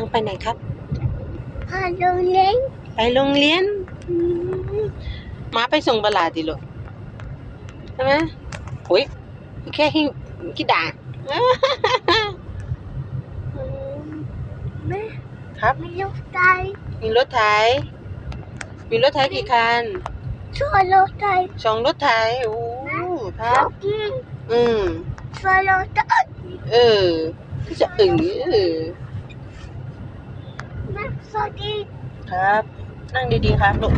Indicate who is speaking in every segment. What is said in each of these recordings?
Speaker 1: ไปไหนครับ
Speaker 2: ไปโรงเรียน
Speaker 1: ไปโรงเรียนม้าไปส่งบลาดิลูกใช่ไหมโอ้ยแค่หิ้วกี่ด่าง
Speaker 2: แม่
Speaker 1: ครับ
Speaker 2: มีลูกไก่
Speaker 1: มีรถไถกี่คัน
Speaker 2: ช่วยลูกไก่
Speaker 1: 2 รถไถโอ้ครับ
Speaker 2: กิน
Speaker 1: อืม
Speaker 2: ช่วยลูกไก่
Speaker 1: จะ
Speaker 2: แม่สวัสดี
Speaker 1: ครับ นั่งดีๆครับลูก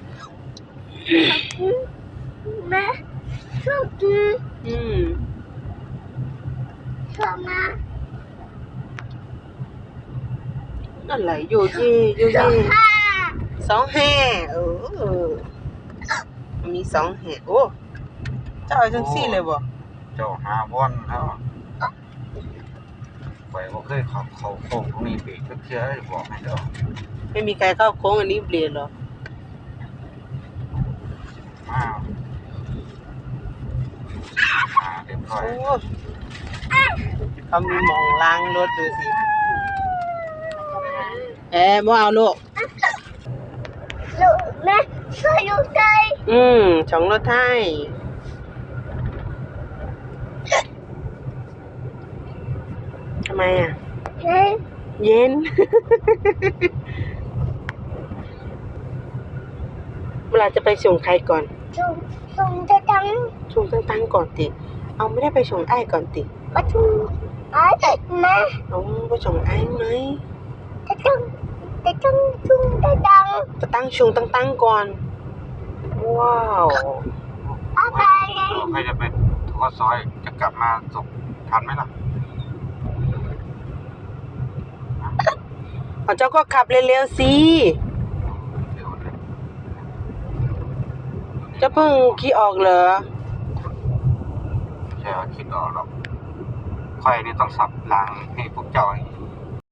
Speaker 2: แม่ช่วยกิน ช่วยมา
Speaker 1: อะไรโยเย่25มี2 แห่โอ้เจ้าเอาจังซี่เลยบ่
Speaker 3: เจ้าหาบ่อนแล้วไปบ่เคยเข้าโค้งตรงนี้เบรกจักเทื่อได้บอกให้เด้อ
Speaker 1: ไม่มีใครเข้าโค้งอันนี้เปลี่ยนหรอ
Speaker 3: มาเรียบร้อย
Speaker 1: โอ้เขามีหมองล้างรถดูสิบ่เอาลูก
Speaker 2: ลูกแม่ช่วยลูกไก่
Speaker 1: 2 รถไถทำไมอ่ะ
Speaker 2: เฮ้ย
Speaker 1: เย็น เวลาจะไปส่งใครก่อน
Speaker 2: ส่งจะจัง
Speaker 1: ส่งตั้งก่อนติ เอาไม่ได้ไปส่งไอ้ก่อนติ
Speaker 2: ประชุมแม่
Speaker 1: เอาไปส่งไอ้ไหม
Speaker 2: จะจังชุมจะจัง
Speaker 1: จะตั้งชงตั้งก่อน ว้าว
Speaker 2: อะไร
Speaker 3: ใครจะไปทอดซอยจะกลับมาส่งทันไหมล่ะ
Speaker 1: เจ้าก็ขับเร็วๆสิ
Speaker 3: เดี๋ยวนะ
Speaker 1: เจ้าเพิ่งขี่ออกเหรอ
Speaker 3: ใช่ว่าคิดออกหรอกค่อยนี่ต้องสับรางให้พวกเจ้า